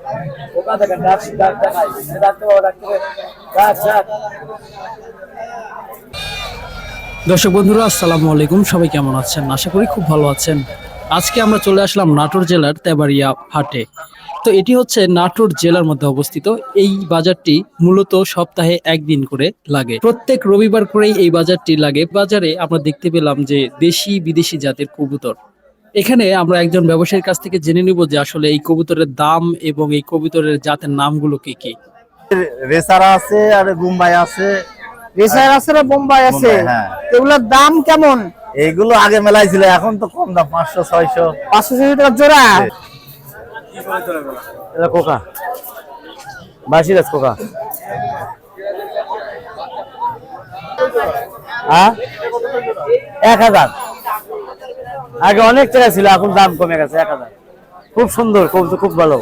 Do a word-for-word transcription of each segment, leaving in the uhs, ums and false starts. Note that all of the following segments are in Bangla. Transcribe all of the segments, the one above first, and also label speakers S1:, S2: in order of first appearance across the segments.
S1: ওকা দেখেন ডাক ডাক দেখাই ডাকতে বাবা ডাকতে ডাক ডাক।
S2: দর্শক বন্ধুরা আসসালামু আলাইকুম, সবাই কেমন আছেন? আশা করি খুব ভালো আছেন। আজকে আমরা চলে আসলাম নাটোর জেলার তেবাড়িয়া হাটে। তো এটি হচ্ছে নাটোর জেলার মধ্যে অবস্থিত। এই বাজারটি মূলত সপ্তাহে একদিন করে লাগে, প্রত্যেক রবিবার করেই এই বাজারটি লাগে। বাজারে আমরা দেখতে পেলাম যে দেশি বিদেশি জাতের কবুতর। এখানে আমরা একজন ব্যবসায়ীর কাছ থেকে জেনে নিব যে আসলে এই কবুতরের দাম এবং এই কবুতরের জাতের নামগুলো কি কি।
S1: রেসার আছে আর বোম্বাই আছে।
S3: রেসার আছে না বোম্বাই আছে?
S1: হ্যাঁ।
S3: এগুলোর দাম কেমন?
S1: এইগুলো আগে মেলায় ছিল, এখন তো কম দাম, পাঁচশো ছয়শো
S3: পাঁচশো ছয়শো টাকা জোড়া।
S1: এটা কোকা বাসিরাজ কোকা। হ্যাঁ এক হাজার, আগে অনেক টাকা ছিল, এখন দাম কমে গেছে। এক হাজার খুব সুন্দর কবুতর, খুব ভালো।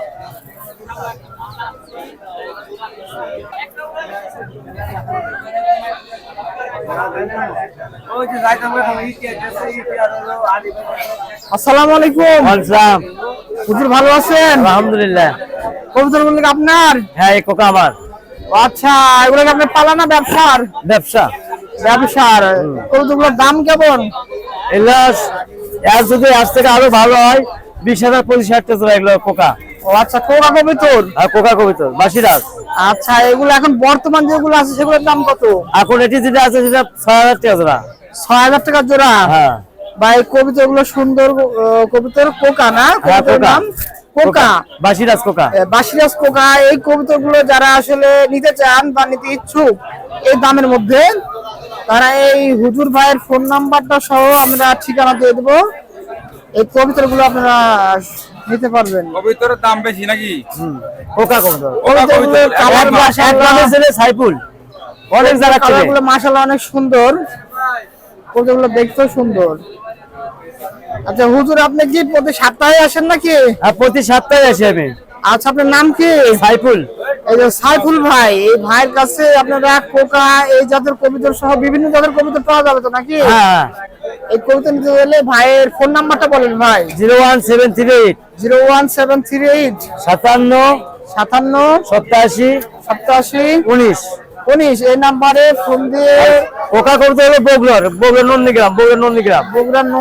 S3: আসসালামু আলাইকুম।
S1: ওয়ালাইকুম
S3: হুজুর ভালো আছেন?
S1: আলহামদুলিল্লাহ।
S3: কবুতর গুলো কি আপনার?
S1: হ্যাঁ এই কোকা আমার।
S3: আচ্ছা, এগুলো কি আপনার পালা না ব্যবসার?
S1: ব্যবসা।
S3: ব্যবসার। কবুতরগুলোর দাম কেমন?
S1: এগুলো এর যদি আজ থেকে আরো ভালো হয়, বিশ হাজার পঁচিশ হাজার টাকা এগুলো কোকা।
S3: ও আচ্ছা, কোকা কবুতর।
S1: আর কোকা কবিতর বাসিরাজ।
S3: আচ্ছা, এগুলো এখন বর্তমান যেগুলো আছে সেগুলোর দাম কত?
S1: এখন এটি যেটা আছে সেটা ছয় হাজার টাকা জোড়া।
S3: ছয় হাজার টাকা জোড়া।
S1: হ্যাঁ
S3: বা এই কবিতর গুলো সুন্দর আহ, কবুতর কোকা না?
S1: হ্যাঁ,
S3: কবুতরের
S1: কোকা।
S3: নাম কোকা।
S1: বাসিরাজ কোকা।
S3: এ, বাসিরাজ কোকা। এই কবুতর গুলো যারা আসলে নিতে চান বা নিতে ইচ্ছুক এই দামের মধ্যে, তারা এই হুজুর ভাইয়ের ফোন নাম্বারটা সহ আমরা ঠিকানা দিয়ে দেবো। এই কবুতর গুলো আপনারা নিতে পারবেন।
S4: কবিতরের দাম বেশি নাকি?
S1: কোকা কবিতর।
S3: কবুতরগুলোর কালার
S1: এক
S3: মাশাআল্লাহ,
S1: নামে ছেলে সাইফুল, অনেক জায়গা ছেলে।
S3: কালারগুলো মাশাআল্লাহ অনেক সুন্দর। কবুতরগুলো দেখতেও সুন্দর। আচ্ছা হুজুর, আপনি কি প্রতি সপ্তাহে আসেন নাকি?
S1: আর প্রতি সপ্তাহে আসি আমি।
S3: আচ্ছা, আপনার নাম কি?
S1: সাইফুল।
S3: এই যে সাইফুল ভাই, এই ভাইয়ের কাছে আপনারা কোকা এই জাতের কবুতর সহ বিভিন্ন জাতের কবুতর পাওয়া যাবে তো নাকি?
S1: হ্যাঁ।
S3: এই কবুতর নিতে গেলে ভাইয়ের ফোন নাম্বারটা বলেন ভাই।
S1: Zero one seven three eight
S3: zero one seven three eight
S1: সাতান্ন
S3: সাতান্ন
S1: সপ্তাশি
S3: সপ্তাশি
S1: উনিশ।
S3: উনিশ এই নাম্বারে ফোন দিয়ে।
S1: কোকা কবিতর হলো বগুড়ার, বগুড়ার নন্দীগ্রাম, বগুড়ার নন্দীগ্রাম।
S3: বগুড়ার ন-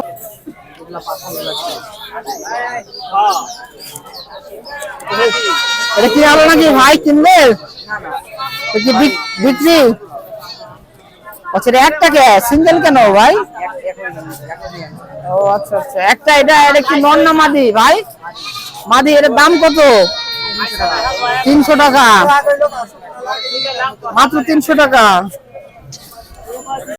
S3: এটা কি হলো নাকি ভাই, কিনবে? এটা কি বিক- বিক্রি? আচ্ছা, এটা একটা কে সিঙ্গেল কেন ভাই? ও আচ্ছা আচ্ছা, একটা। এটা এটা কি নন না মাদি ভাই? মাদি। এর দাম কত? তিনশো টাকা, মাত্র তিনশো টাকা।